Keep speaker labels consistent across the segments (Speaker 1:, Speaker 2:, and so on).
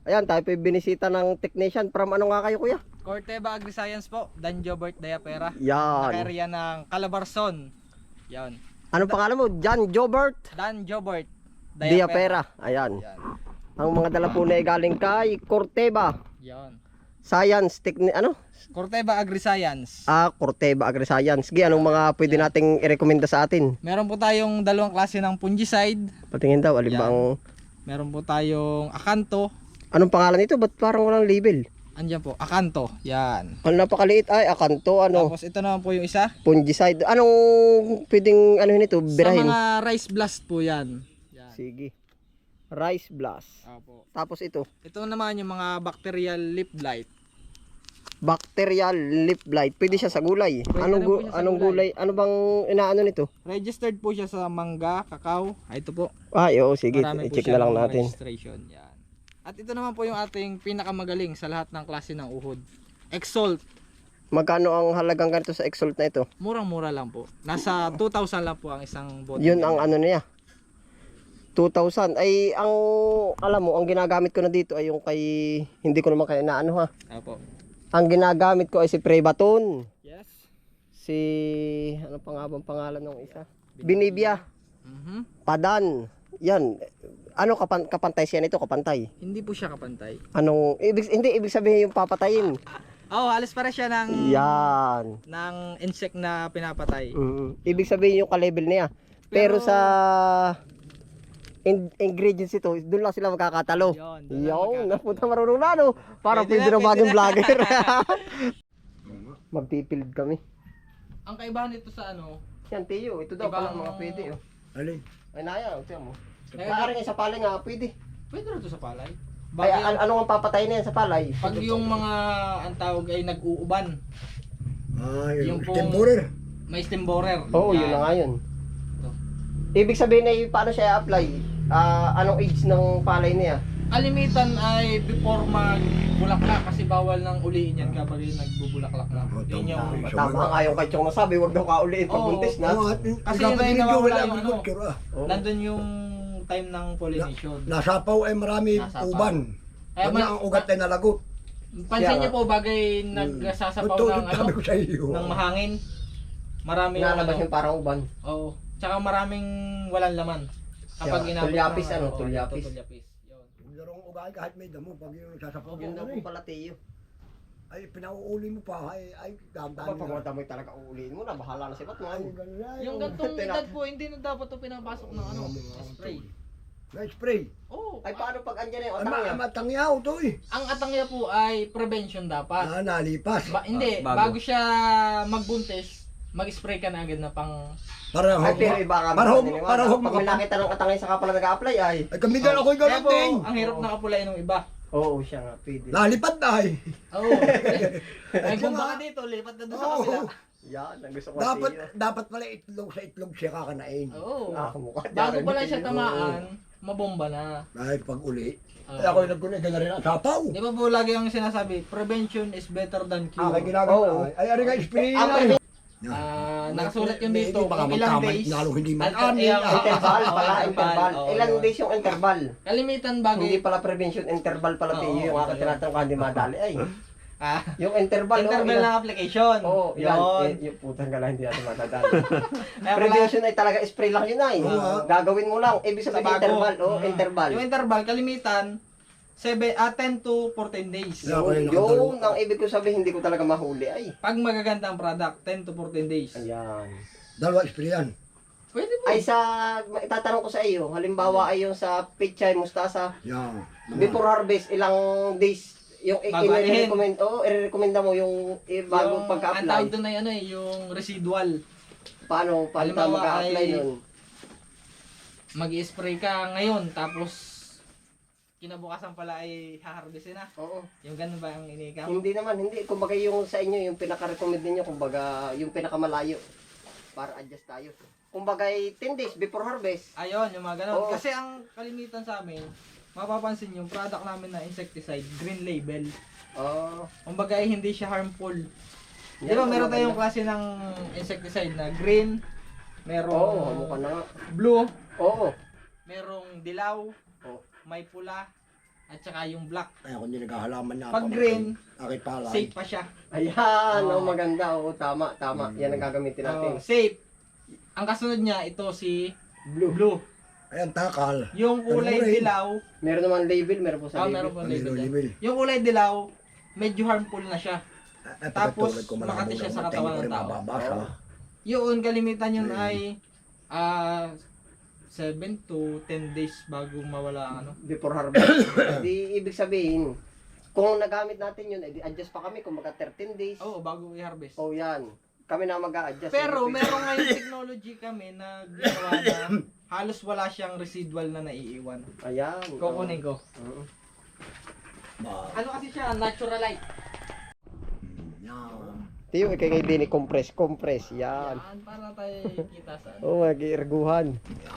Speaker 1: Ayan, tayo po binisita ng technician. From ano nga kayo, kuya?
Speaker 2: Corteva Agri-Science po, Dan Jobert Diapera.
Speaker 1: Yan.
Speaker 2: Naka-area ng Calabarzon. Yan.
Speaker 1: Anong pangalan mo? John Jobert
Speaker 2: Dan Jobert
Speaker 1: Diapera. Ayan.
Speaker 2: Yan.
Speaker 1: Ang mga dala po na ay galing kay Corteva
Speaker 2: Yan.
Speaker 1: Science ano?
Speaker 2: Corteva Agri-Science.
Speaker 1: Corteva Agri-Science. Gi, anong mga pwede nating i-recommenda sa atin?
Speaker 2: Meron po tayong dalawang klase ng fungicide.
Speaker 1: Patingin daw, alin ba
Speaker 2: Yan.
Speaker 1: ang...
Speaker 2: Meron po tayong Akanto.
Speaker 1: Anong pangalan nito? Ba't parang walang label?
Speaker 2: Andiyan po, Akanto. Yan.
Speaker 1: Ang napakaliit ay Akanto, ano?
Speaker 2: Tapos ito naman po yung isa.
Speaker 1: Fungicide. Anong pwedeng ano nito? Birahin?
Speaker 2: Sa mga rice blast po yan. Yan.
Speaker 1: Sige. Rice blast.
Speaker 2: Opo.
Speaker 1: Tapos ito,
Speaker 2: Ito naman yung mga bacterial leaf blight.
Speaker 1: bacterial leaf blight. Pwede siya sa gulay.
Speaker 2: Pwede
Speaker 1: Anong
Speaker 2: rin po siya sa
Speaker 1: anong gulay? Ano bang inaano nito?
Speaker 2: Registered po siya sa mangga, kakao. Ito po.
Speaker 1: Ay, oo, sige.
Speaker 2: Marami po
Speaker 1: I-check
Speaker 2: siya
Speaker 1: na lang
Speaker 2: ng
Speaker 1: natin.
Speaker 2: registration. Yan. At ito naman po yung ating pinakamagaling sa lahat ng klase ng uhod. Exalt.
Speaker 1: Magkano ang halagang ganito sa Exalt na ito?
Speaker 2: Murang-mura lang po. Nasa 2,000 lang po ang isang bote.
Speaker 1: Yun ang ano niya. 2,000. Ay, ang alam mo, ang ginagamit ko na dito ay yung kay hindi ko naman kaya naano ha.
Speaker 2: Opo.
Speaker 1: Ang ginagamit ko ay si Prebaton.
Speaker 2: Yes.
Speaker 1: Si ano pa nga bang pangalan ng isa? Binibia.
Speaker 2: Mhm.
Speaker 1: Padan. Yan. Ano kapantay siya nito? Kapantay.
Speaker 2: Hindi po siya kapantay.
Speaker 1: Anong hindi ibig sabihin yung papatayin.
Speaker 2: Oh, halos para siya ng
Speaker 1: Yan.
Speaker 2: ng insect na pinapatay.
Speaker 1: Ibig sabihin yung ka-level niya. Pero sa ingredients ito, doon lang sila magkakatalo.
Speaker 2: Yun, doon lang
Speaker 1: Yo,
Speaker 2: magkakatalo.
Speaker 1: napunta marunong na no. Para
Speaker 2: Pwede
Speaker 1: pwede
Speaker 2: na,
Speaker 1: na bagong
Speaker 2: pwede na.
Speaker 1: vlogger. Magpipild kami.
Speaker 2: Ang kaibahan nito sa ano,
Speaker 1: Yan, Teo. Ito daw
Speaker 2: Ibang-
Speaker 1: pala mga pwede. Oh.
Speaker 3: Alin?
Speaker 1: Ay, naya. Tiyan mo.
Speaker 2: Kaya-
Speaker 1: Maaring sa palay nga, pwede.
Speaker 2: pwede rin ito sa palay.
Speaker 1: Ay,
Speaker 2: Bagay,
Speaker 1: ano ang papatayin na yan sa palay?
Speaker 2: pag yung mga ang tawag ay nag-uuban,
Speaker 3: Yung
Speaker 2: Yung pong-
Speaker 3: temporer.
Speaker 2: may stem borer.
Speaker 1: Oo, yun na nga yun. Ibig sabihin ay paano siya i-apply? Anong age ng palay niya?
Speaker 2: Kalimitan ay before magbulaklak kasi bawal nang uliin yan kapag yung nagbubulaklak na.
Speaker 3: Oh,
Speaker 2: Yun yung
Speaker 1: Tama nga yung kay Chong nasabi, wag daw kauliin pag
Speaker 2: Oo.
Speaker 1: buntis na.
Speaker 2: Kasi
Speaker 3: dapat
Speaker 2: yun ay
Speaker 3: medyo
Speaker 2: nawawala
Speaker 3: wala
Speaker 2: yung ano.
Speaker 3: agriculture,
Speaker 1: Oo.
Speaker 2: nandun yung time ng pollination.
Speaker 3: Nasapaw ay marami
Speaker 2: Nasapaw.
Speaker 3: uban.
Speaker 2: Kaya
Speaker 3: Pag na ang ugat ay nalagot.
Speaker 2: pansin niyo po bagay nagsasapaw ng ano,
Speaker 3: Sabi ko sa iyo.
Speaker 2: ng mahangin. Marami yung
Speaker 1: Nalabas
Speaker 2: ano.
Speaker 1: yung parang uban.
Speaker 2: Oo. Tsaka maraming walang laman. Kapag
Speaker 1: Siya,
Speaker 2: inabot
Speaker 1: tulyapis,
Speaker 2: ng-
Speaker 1: ano,
Speaker 2: oo,
Speaker 1: tulyapis.
Speaker 2: Tulyapis. Yun.
Speaker 3: Yung larong ugat kahit may damo pag yung sasapaw
Speaker 1: Yun daw
Speaker 3: mo
Speaker 1: po pala, Teo.
Speaker 3: ay pinauuli mo pa ay dahan-dahan
Speaker 1: Kapag pag mo talaga uuliin mo na, bahala na si Batman.
Speaker 2: Yung gantong edad po, hindi na dapat ito pinapasok ng ano, spray.
Speaker 3: Na-spray.
Speaker 2: Oo.
Speaker 1: Ay, paano pag andyan na yung
Speaker 3: Ay,
Speaker 1: atang niya?
Speaker 3: matangyaw to eh.
Speaker 2: Ang atangya po ay prevention dapat.
Speaker 3: Nalipas.
Speaker 2: Hindi,
Speaker 4: bago.
Speaker 2: bago siya magbuntis, mag-spray ka na agad na pang...
Speaker 3: Para
Speaker 1: Ay, pero iba ka
Speaker 3: para
Speaker 1: maniniwala.
Speaker 3: para
Speaker 1: Pag may nakita ng atangay saka pala nag-a-apply ay.
Speaker 3: Ay kami din ako'y
Speaker 2: Kaya
Speaker 3: ganun
Speaker 2: po,
Speaker 3: din.
Speaker 2: ang hirap nakapulay ng iba.
Speaker 1: Oo, siya nga, pwede.
Speaker 3: Nalipad na ay.
Speaker 2: Oo. Ay, bumba ka dito, lipat na doon sa kabila.
Speaker 1: Yan, ang gusto ko
Speaker 3: Dapat
Speaker 1: Teo.
Speaker 3: dapat pala itlog sa itlog siya kakanain.
Speaker 2: Oo.
Speaker 1: Mukha.
Speaker 2: Bago
Speaker 1: Jared
Speaker 2: pa lang siya
Speaker 1: Teo.
Speaker 2: tamaan, mabomba na.
Speaker 3: Ay pag uli.
Speaker 2: Oo.
Speaker 3: Ay ako'y nagkunay na rin ang sapaw.
Speaker 2: Di ba po lagi ang sinasabi, prevention is better than
Speaker 3: Ako'y
Speaker 2: cure.
Speaker 3: ginagawa.
Speaker 1: Oo.
Speaker 3: Ay ari nga spray
Speaker 1: Ang
Speaker 3: na.
Speaker 1: prevention
Speaker 2: Nakasulat yun dito,
Speaker 3: Baka
Speaker 2: kung ilang
Speaker 3: magkamay,
Speaker 2: days.
Speaker 3: lalong hindi
Speaker 2: At-
Speaker 3: mag-amin.
Speaker 2: at-
Speaker 1: interval
Speaker 2: Oo,
Speaker 1: pala, interval.
Speaker 2: Oo,
Speaker 1: Ilang
Speaker 2: yun.
Speaker 1: days yung interval?
Speaker 2: Kalimitan bagay.
Speaker 1: Hindi pala prevention, interval pala
Speaker 2: Oo,
Speaker 1: Teo. Yung aking
Speaker 2: yun.
Speaker 1: tinatanong ka, hindi madali ay.
Speaker 2: Ah,
Speaker 1: Yung interval,
Speaker 2: interval
Speaker 1: ilan-
Speaker 2: ng application.
Speaker 1: Oo, yan.
Speaker 2: Yun.
Speaker 1: Yung putang gala, hindi natin matadali.
Speaker 2: Kaya pala,
Speaker 1: Prevention ay talaga spray lang yun ay.
Speaker 3: Oo.
Speaker 1: Gagawin mo lang. Ibig
Speaker 2: sa
Speaker 1: sabihin
Speaker 2: bago.
Speaker 1: interval. Oo,
Speaker 2: Mm.
Speaker 1: interval.
Speaker 2: Yung interval, kalimitan, 10 to 14 days.
Speaker 3: Yeah. Ako yung
Speaker 1: Yun,
Speaker 3: nakatulog.
Speaker 1: ang ibig ko sabihin, hindi ko talaga mahuli ay.
Speaker 2: Pag magaganda ang product, 10 to 14 days.
Speaker 1: Ayan.
Speaker 3: Dalawa spray yan.
Speaker 2: Pwede po.
Speaker 1: Ay sa, itatanong ko sa iyo, halimbawa ay yung sa pichay, mustasa,
Speaker 3: Yan.
Speaker 1: before harvest, ilang days, yung
Speaker 2: Bago anihin.
Speaker 1: i-recommend, i-recommenda mo yung bago
Speaker 2: Ang
Speaker 1: pagka-apply.
Speaker 2: tawag doon ay ano eh, yung residual.
Speaker 1: Paano tayo
Speaker 2: Halimbawa
Speaker 1: mag-a-apply
Speaker 2: ay-
Speaker 1: nun?
Speaker 2: Mag-spray ka ngayon, tapos kinabukasan pala ay haharvestin na.
Speaker 1: Oo.
Speaker 2: Yung ganun ba ang inikam?
Speaker 1: Hindi naman, hindi. Kumbaga yung sa inyo, yung pinaka-recommend ninyo, kumbaga yung pinakamalayo. Para adjust tayo. Kumbaga 10 days before harvest.
Speaker 2: Ayun, yung mga ganun.
Speaker 1: Oo.
Speaker 2: Kasi ang kalimitan sa amin, mapapansin yung product namin na insecticide, green label.
Speaker 1: Oh.
Speaker 2: Kumbaga ay hindi siya harmful. Di
Speaker 1: Yan
Speaker 2: ba
Speaker 1: ang
Speaker 2: meron tayong
Speaker 1: maganda.
Speaker 2: klase ng insecticide na green, merong
Speaker 1: Oo, mukha na nga.
Speaker 2: blue,
Speaker 1: Oo.
Speaker 2: merong dilaw,
Speaker 1: Oo.
Speaker 2: may pula, at saka yung black.
Speaker 3: Ay, ako hindi naghahalaman na
Speaker 2: Pag
Speaker 3: ako.
Speaker 2: green,
Speaker 3: Aking palay.
Speaker 2: safe pa siya.
Speaker 1: Ayan,
Speaker 2: Oo.
Speaker 1: maganda. Oo, tama, tama. Yan ang gagamitin natin.
Speaker 2: Safe. Ang kasunod niya, ito si blue.
Speaker 3: Ayan, takal.
Speaker 2: Yung kulay
Speaker 3: Ano rin?
Speaker 2: dilaw,
Speaker 1: Meron naman label, meron po sa label.
Speaker 2: meron po label dyan.
Speaker 3: Libil.
Speaker 2: Yung kulay dilaw, medyo harmful na siya. Tapos,
Speaker 3: Tapos,
Speaker 2: makati siya sa katawan ng tao.
Speaker 3: Mababasa.
Speaker 2: Yun, kalimitan yun ay 7 to 10 days bago mawala ang ano.
Speaker 1: Before harvest. Di ibig sabihin, kung nagamit natin yun, edi adjust pa kami kung mga 13 days.
Speaker 2: Oo, bago i-harvest.
Speaker 1: Oh, yan. Kami na mag-a-adjust.
Speaker 2: Pero meron ngayon technology kami na ginawa na halos wala siyang residual na naiiwan.
Speaker 1: Ayan.
Speaker 2: Kukunin ko.
Speaker 1: Oo.
Speaker 2: Ano kasi siya, natural light.
Speaker 3: Yan.
Speaker 1: Tiyo, ikay ngayon din compress. Yan.
Speaker 2: Yan, para tayo kita sa ano.
Speaker 1: Oo, mag-iirguhan.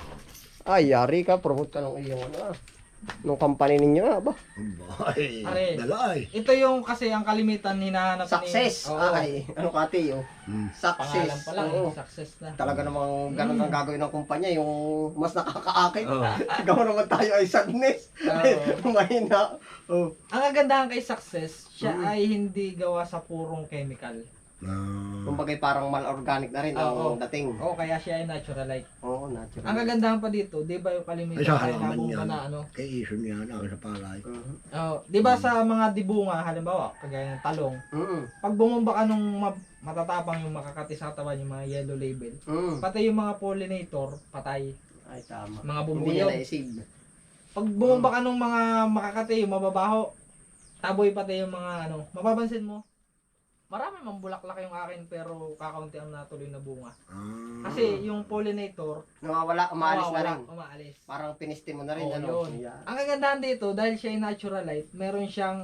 Speaker 1: Ay, yari ka. Promote ka ng iyong ano nung company ninyo ba?
Speaker 3: Ay,
Speaker 2: Are.
Speaker 3: dalay.
Speaker 2: Ito yung kasi ang kalimitan hinahanap
Speaker 1: Success.
Speaker 2: Oo.
Speaker 1: Ay, ano ka tiyo? Success.
Speaker 2: Pangalan pa lang,
Speaker 1: Oo.
Speaker 2: success na.
Speaker 1: Talaga namang ganun ang gagawin ng kumpanya, yung mas nakakaakit. Gawa naman tayo ay sadness.
Speaker 2: Oo.
Speaker 1: Mahina. Oh.
Speaker 2: Ang kagandahan kay success, siya ay hindi gawa sa purong chemical.
Speaker 1: Kumbaga parang mal-organic na rin
Speaker 2: Oo.
Speaker 1: ang dating.
Speaker 2: Oo, kaya siya ay natural light.
Speaker 1: Oo, natural.
Speaker 2: Ang kagandahan pa dito, 'di ba yung kalimitan
Speaker 3: Ay, sa
Speaker 2: ay
Speaker 3: halaman
Speaker 2: nabunga
Speaker 3: yan.
Speaker 2: na ano?
Speaker 3: Kay Ison yan, ako sa palay.
Speaker 1: Mhm.
Speaker 2: Oh, 'di ba sa mga dibunga halimbawa, kagaya ng talong,
Speaker 1: Mhm.
Speaker 2: pag bumumba ka nung matatapang yung makakati sa katawan yung mga yellow label,
Speaker 1: Mhm.
Speaker 2: pati yung mga pollinator, patay.
Speaker 1: Ay, tama.
Speaker 2: Mga
Speaker 1: Hindi niya
Speaker 2: bumbuyo.
Speaker 1: na-save.
Speaker 2: Pag bumumba ka nung mga makakati, yung mababaho, taboy pati yung mga ano, mapapansin mo, marami mang bulaklak yung akin pero kakaunti ang natuloy na bunga. Kasi yung pollinator,
Speaker 1: Nawawala, umaalis na
Speaker 2: nawawala,
Speaker 1: rin.
Speaker 2: umaalis.
Speaker 1: Parang pinistin mo na rin.
Speaker 2: Oo,
Speaker 1: ano?
Speaker 2: yun.
Speaker 1: Yan.
Speaker 2: Ang kagandahan dito, dahil siya ay natural light, meron siyang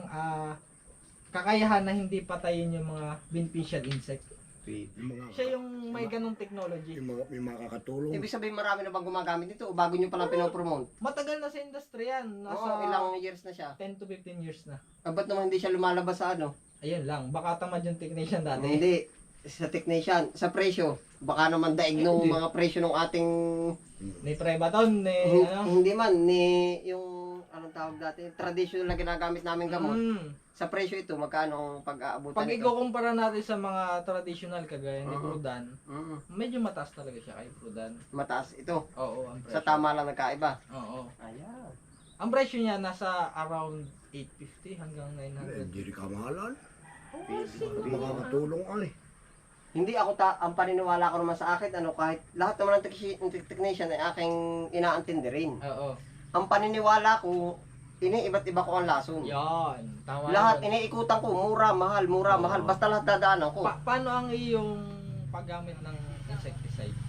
Speaker 2: kakayahan na hindi patayin yung mga beneficial insect.
Speaker 3: Yung mga,
Speaker 2: Siya yung may ganong technology.
Speaker 3: may mga kakatulong.
Speaker 1: Ibig sabihin marami na bang gumagamit dito o bago nyo palang pinopromote?
Speaker 2: Matagal na sa industry yan. Nasa
Speaker 1: Oo, ilang years na siya.
Speaker 2: 10 to 15 years na.
Speaker 1: Ba't naman hindi siya lumalabas sa ano?
Speaker 2: Ayun lang, baka tamad yung technician dati.
Speaker 1: Hindi. Sa technician, sa presyo. Baka naman daig nung
Speaker 2: Hindi.
Speaker 1: mga presyo ng ating
Speaker 2: Ni Prebaton, ni ano.
Speaker 1: hindi man ni yung anong tawag dati, traditional na ginagamit namin gamot. Sa presyo ito, magkano ang pag-aabutan
Speaker 2: Pag ikukumpara natin sa mga traditional kagaya ni
Speaker 1: Oo.
Speaker 2: Prudan, medyo mataas talaga siya kay Prudan.
Speaker 1: Mataas ito.
Speaker 2: Oo, ang presyo.
Speaker 1: Sa tama lang nagkaiba.
Speaker 2: Oo.
Speaker 1: Ayan.
Speaker 2: Ang presyo niya nasa around 850 hanggang 900.
Speaker 3: Hindi rin kamahalan.
Speaker 1: Pwede.
Speaker 3: Makakatulong ay.
Speaker 1: Hindi ako ang paniniwala ko naman sa akin, ano, kahit lahat naman ng technician ay aking inaantindi rin.
Speaker 2: Oo.
Speaker 1: Ang paniniwala ko, iba't iba ko ang lason.
Speaker 2: Yan. Tama
Speaker 1: Lahat
Speaker 2: yun.
Speaker 1: iniikutan ko, mura, mahal, basta lahat dadaanan ko.
Speaker 2: Paano ang iyong paggamit ng insecticide?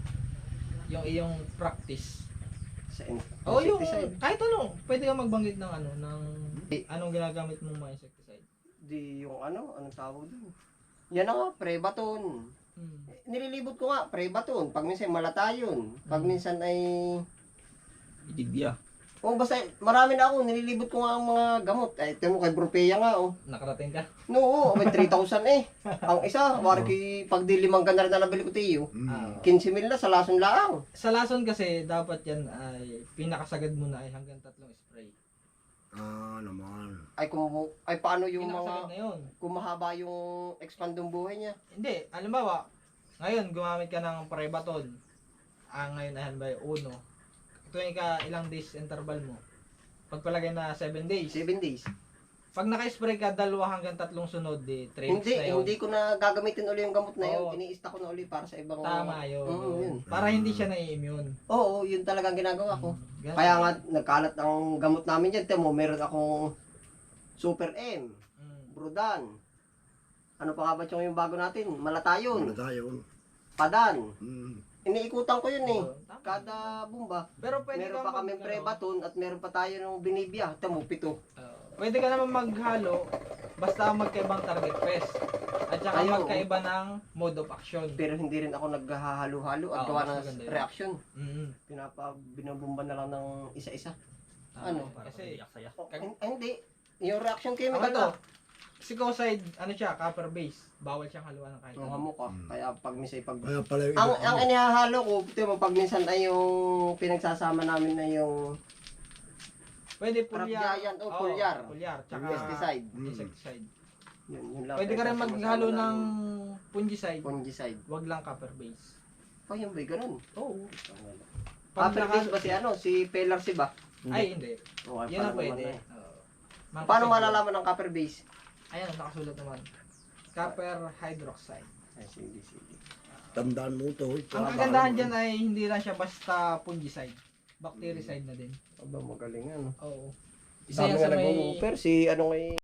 Speaker 2: Yung iyong practice.
Speaker 1: Sa
Speaker 2: Oh, yung
Speaker 1: insecticide.
Speaker 2: kahit ano, pwede ka magbanggit ng ano, ng anong ginagamit mong mga insecticide.
Speaker 1: Di yung ano, anong tawag doon? Yan na nga, Prebaton. Nililibot ko nga, Prebaton. Pag minsan malatayon. Pag minsan ay...
Speaker 2: Idibya.
Speaker 1: Oh, basta marami na ako, nililibot ko nga ang mga gamot. Ay, ito mo kay Brupeya nga, oh.
Speaker 2: Nakarating ka?
Speaker 1: No, may 3,000 eh. Ang isa, wari kay pag di 5 ganda rin na nabili ko tiyo. 15,000 na sa lason laang.
Speaker 2: Sa lason kasi, dapat yan ay pinakasagad mo na ay hanggang 3 spray.
Speaker 3: Naman.
Speaker 1: Ay paano yung
Speaker 2: Pinakasagad
Speaker 1: mga
Speaker 2: na yun.
Speaker 1: kung mahaba yung expandong buhay niya?
Speaker 2: Hindi, halimbawa, ngayon gumamit ka ng Prebaton. Ngayon ay halimbawa 1. Tuwing ka ilang days interval mo. Pagpalagay na 7 days.
Speaker 1: 7 days.
Speaker 2: Pag naka-spray ka 2 hanggang 3 sunod, 3 weeks
Speaker 1: Hindi,
Speaker 2: na yun.
Speaker 1: hindi ko na gagamitin uli yung gamot na yun.
Speaker 2: Oo.
Speaker 1: Iniista ko na uli para sa ibang...
Speaker 2: Tama yun.
Speaker 1: Yun.
Speaker 2: Para hindi siya nai-immune.
Speaker 1: Oo, yun talagang ginagawa ko.
Speaker 2: Ganun.
Speaker 1: Kaya nga, nagkalat ang gamot namin dyan. Temo, meron akong Super M, Brudan. Ano pa nga ba yung bago natin? Malatayon,
Speaker 3: Wala tayo.
Speaker 1: Padan.
Speaker 3: Mm.
Speaker 1: Iniikutan ko yun eh.
Speaker 2: Oo, tama.
Speaker 1: Kada bumba.
Speaker 2: Pero pwede
Speaker 1: Meron
Speaker 2: ka
Speaker 1: pa kami
Speaker 2: ano,
Speaker 1: Prebaton at meron pa tayo ng Binibia. Temo, 7.
Speaker 2: pwede ka naman maghalo basta magkaibang target pest. At saka
Speaker 1: Ayaw.
Speaker 2: magkaiba ng mode of action.
Speaker 1: Pero hindi rin ako naghahalo-halo at
Speaker 2: Oo,
Speaker 1: gawa
Speaker 2: mas
Speaker 1: ng
Speaker 2: maganda yun.
Speaker 1: reaction. Binubumba na lang ng isa-isa. Ano?
Speaker 2: Kasi,
Speaker 1: Hindi. Yung reaction
Speaker 2: ako
Speaker 1: chemical
Speaker 2: to,
Speaker 1: na.
Speaker 2: Psicoside, ano siya, copper base. Bawal siyang haluan ng kahit
Speaker 1: Ang
Speaker 2: ano.
Speaker 1: hamok ka. Kaya pag minsan
Speaker 3: Kaya pala yung
Speaker 1: ang inihahalo ko, ito mo pag minsan ay yung pinagsasama namin na yung
Speaker 2: Pwede
Speaker 1: Crop
Speaker 2: pulyar.
Speaker 1: giant o
Speaker 2: Oo,
Speaker 1: pulyar.
Speaker 2: Pulyar, tsaka
Speaker 1: Pesticide.
Speaker 2: insecticide.
Speaker 1: Yun lang.
Speaker 2: Pwede ka rin maghalo ng fungicide.
Speaker 1: fungicide.
Speaker 2: Wag lang copper base.
Speaker 1: Oh, yung ba ganun?
Speaker 2: Oo.
Speaker 1: Copper
Speaker 2: naka-
Speaker 1: base ba si ano? Si Pelarsi ba?
Speaker 2: Ay, hindi.
Speaker 1: Oh,
Speaker 2: Yan ang pwede. Oo.
Speaker 1: Paano malalaman ng copper base?
Speaker 2: Ayan, nakasulat naman. Copper hydroxide.
Speaker 1: Ay, sige, sige.
Speaker 3: Tandaan mo to.
Speaker 2: Ang kagandahan dyan ay hindi lang siya basta fungicide. Bactericide na din.
Speaker 1: Aba, magaling ano.
Speaker 2: Oo.
Speaker 1: Isa
Speaker 2: Isa yan
Speaker 1: nga
Speaker 2: sa may...
Speaker 1: nag-offer si ano ngay